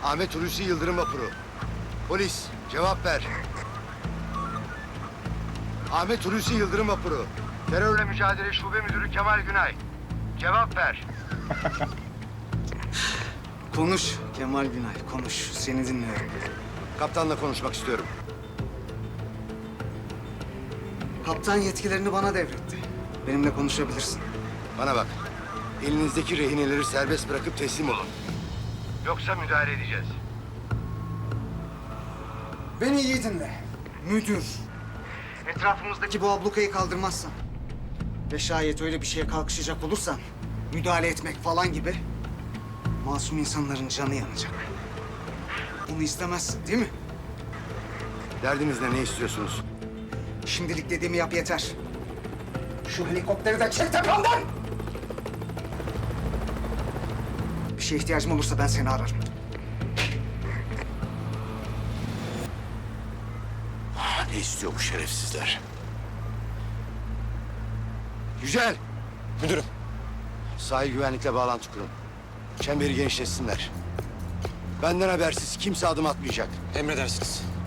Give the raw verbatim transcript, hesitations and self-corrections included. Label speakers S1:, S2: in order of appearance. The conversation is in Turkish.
S1: Ahmet Hulusi Yıldırım vapuru. Polis, cevap ver. Ahmet Hulusi Yıldırım vapuru. Terörle mücadele şube müdürü Kemal Günay. Cevap ver.
S2: Konuş Kemal Günay, konuş. Seni dinliyorum.
S1: Kaptanla konuşmak istiyorum.
S2: Kaptan yetkilerini bana devretti. Benimle konuşabilirsin.
S1: Bana bak. Elinizdeki rehineleri serbest bırakıp teslim olun. Yoksa müdahale edeceğiz.
S2: Beni iyi dinle. Müdür. Etrafımızdaki bu ablukayı kaldırmazsan ve şayet öyle bir şeye kalkışacak olursan müdahale etmek falan gibi masum insanların canı yanacak. Bunu istemezsin değil mi?
S1: Derdiniz ne, ne istiyorsunuz?
S2: Şimdilik dediğimi yap yeter. Şu helikopteri de çek tepemden! Bir şeye ihtiyacım olursa ben seni ararım.
S1: Ne istiyor bu şerefsizler? Yücel!
S3: Müdürüm.
S1: Sahil güvenlikle bağlantı kurun. Çemberi genişletsinler. Benden habersiz kimse adım atmayacak.
S3: Emredersiniz.